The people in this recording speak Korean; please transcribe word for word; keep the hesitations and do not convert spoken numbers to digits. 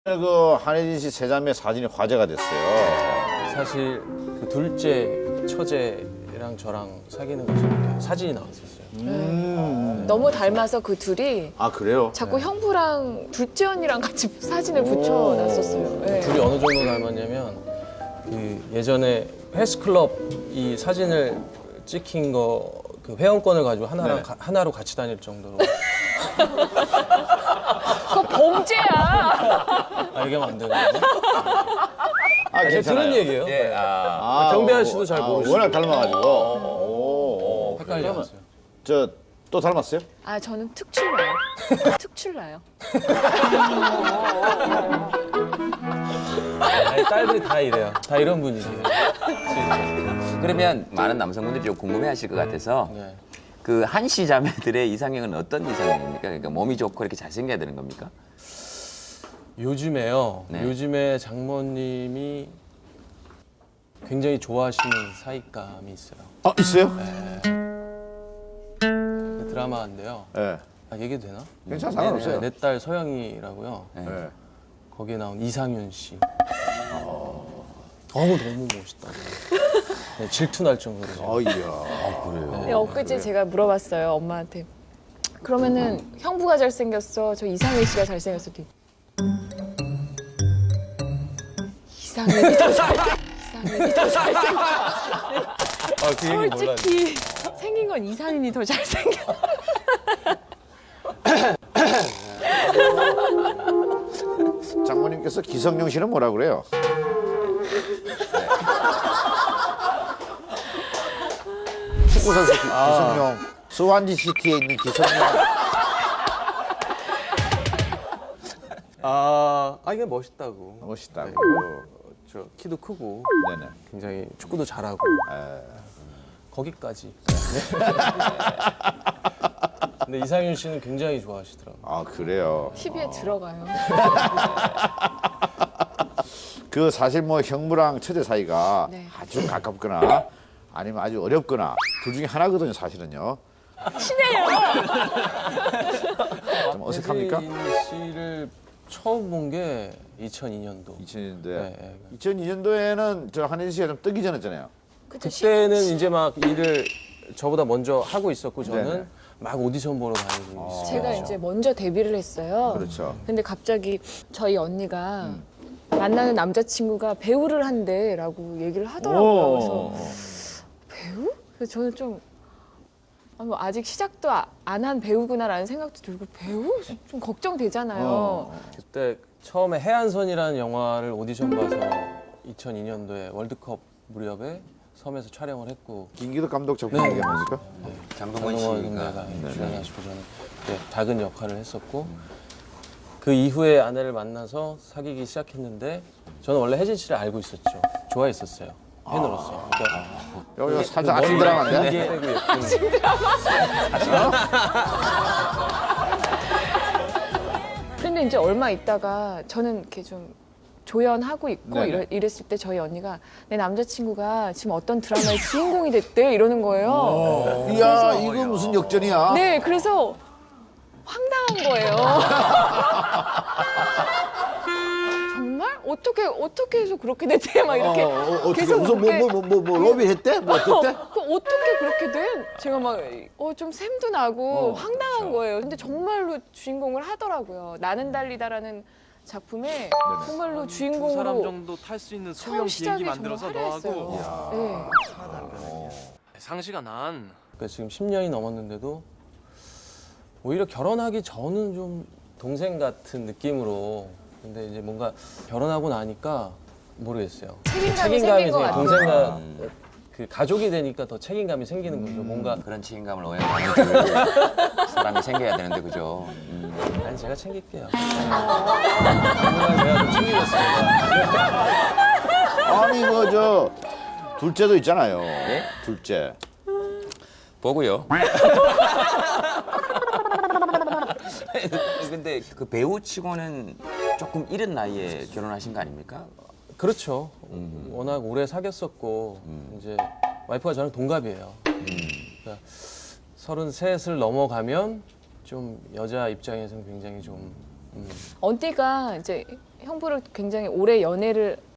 그 한혜진 씨 세자매 사진이 화제가 됐어요. 사실 그 둘째 처제랑 저랑 사귀는 것이 이렇게 사진이 나왔었어요. 음. 너무 닮아서 그 둘이 아 그래요? 자꾸 형부랑 둘째 언니랑 같이 사진을 붙여놨었어요. 네. 둘이 어느 정도 닮았냐면 그 예전에 헬스클럽 이 사진을 찍힌 거 그 회원권을 가지고 하나랑 네. 가- 하나로 같이 다닐 정도로. 그거 범죄야. 아 얘기하면 안 되는 거예요? 아 제가 들은 얘기예요. 예, 아, 아, 정배한 씨도 잘 아, 모르시고. 워낙 닮아가지고. 오, 오. 헷갈려갔어요. 저 또 닮았어요? 아 저는 특출나요. 특출나요. 아니, 딸들이 다 이래요. 다 이런 분이세요. 그러면 많은 남성분들이 좀 궁금해하실 것 같아서 네. 그 한씨 자매들의 이상형은 어떤 이상형입니까? 그러니까 몸이 좋고 이렇게 잘생겨야 되는 겁니까? 요즘에요. 네. 요즘에 장모님이 굉장히 좋아하시는 사익감이 있어요. 아 있어요? 그 드라마인데요. 네. 아, 얘기해도 되나? 괜찮아 상관없어요. 내 딸 서영이라고요. 네. 네. 거기에 나온 이상윤 씨. 너무 너무 멋있다고. 네, 질투 날 정도로. 제가. 어이야. 네, 엊그제 제가 물어봤어요 엄마한테. 그러면은 형부가 잘생겼어, 저 이상민 씨가 잘생겼어. 이상민이 더 잘. 이상민이 더 잘생겨. 아, 그 얘기 몰랐네. 솔직히 생긴 건 이상민이 더 잘생겨. 장모님께서 기성용 씨는 뭐라 그래요? 축구 선수 기- 기성용, 스완지 시티에 있는 기성용. 아, 아 이게 멋있다고. 멋있다고. 네, 저 키도 크고 네네. 굉장히 축구도 잘하고 거기까지. 근데 이상윤 씨는 굉장히 좋아하시더라고요. 아 그래요. 티비에 들어가요. 그 사실 뭐 형부랑 처제 사이가 네. 아주 가깝거나 아니면 아주 어렵거나 둘 중에 하나거든요 사실은요. 친해요. 좀 어색합니까? 혜진 씨를 처음 본 게 이천이 년도. 이천 년도에. 네, 네. 이천이 년도에는 저 한혜진 씨가 좀 뜨기 전이었잖아요. 그때는 이제 막 일을 저보다 먼저 하고 있었고 저는 네네. 막 오디션 보러 다니고 있었어요. 제가 이제 먼저 데뷔를 했어요. 그렇죠. 근데 갑자기 저희 언니가 만나는 남자친구가 배우를 한대라고 얘기를 하더라고요. 그래서 배우? 그래서 저는 좀 아, 뭐 아직 시작도 안 한 배우구나라는 생각도 들고 배우? 좀 걱정되잖아요. 어. 그때 처음에 해안선이라는 영화를 오디션 봐서 이천이 년도에 월드컵 무렵에 섬에서 촬영을 했고 김기덕 감독 작품 네. 얘기합니까? 장동건 장동건 씨가 선배가 주연하시고 저는 그때 작은 역할을 했었고 그 이후에 아내를 만나서 사귀기 시작했는데 저는 원래 혜진 씨를 알고 있었죠. 좋아했었어요. 팬으로서. 그러니까 여기 어, 살짝 아침 드라마인데? 이게 되고 예쁜 근데 이제 얼마 있다가 저는 이렇게 좀 조연하고 있고 네네. 이러, 이랬을 때 저희 언니가 내 남자친구가 지금 어떤 드라마의 주인공이 됐대 이러는 거예요. 이야 이거 무슨 역전이야? 네, 그래서 황당한 거예요. 정말? 어떻게 어떻게 해서 그렇게 됐대? 막 이렇게 어, 어, 어떻게 계속 무슨 그렇게 뭐뭐 뭐 뭐 로비 했대? 뭐 어땠대? 그 어떻게 그렇게 돼? 제가 막 어 좀 샘도 나고 어, 황당한 거예요. 근데 정말로 주인공을 하더라고요. 나는 달리다라는 작품에 정말로 두 주인공으로 사람 정도 탈 수 있는 처음 소형 시작이 비행기 정말 만들어서 화려했어요. 너하고 네. 상시가 난 그러니까 지금 십 년이 넘었는데도 오히려 결혼하기 전은 좀 동생 같은 느낌으로 근데 이제 뭔가 결혼하고 나니까 모르겠어요. 책임감이 생긴 것 생겨. 같아요. 동생과 그 가족이 되니까 더 책임감이 생기는 거죠. 뭔가 그런 책임감을 오해 많이 줄 사람이 생겨야 되는데 그죠? 음. 아니 제가 챙길게요. 당분간 제가 좀 챙기겠습니다. 아니 그 저 둘째도 있잖아요. 예? 둘째. 보고요. 근데 그 배우치고는 조금 이른 나이에 결혼하신 거 아닙니까? 그렇죠. 워낙 오래 사귀었었고 이제 와이프가 저랑 동갑이에요. 그러니까 서른셋을 넘어가면 좀 여자 입장에서는 굉장히 좀 언니가 이제 형부를 굉장히 오래 연애를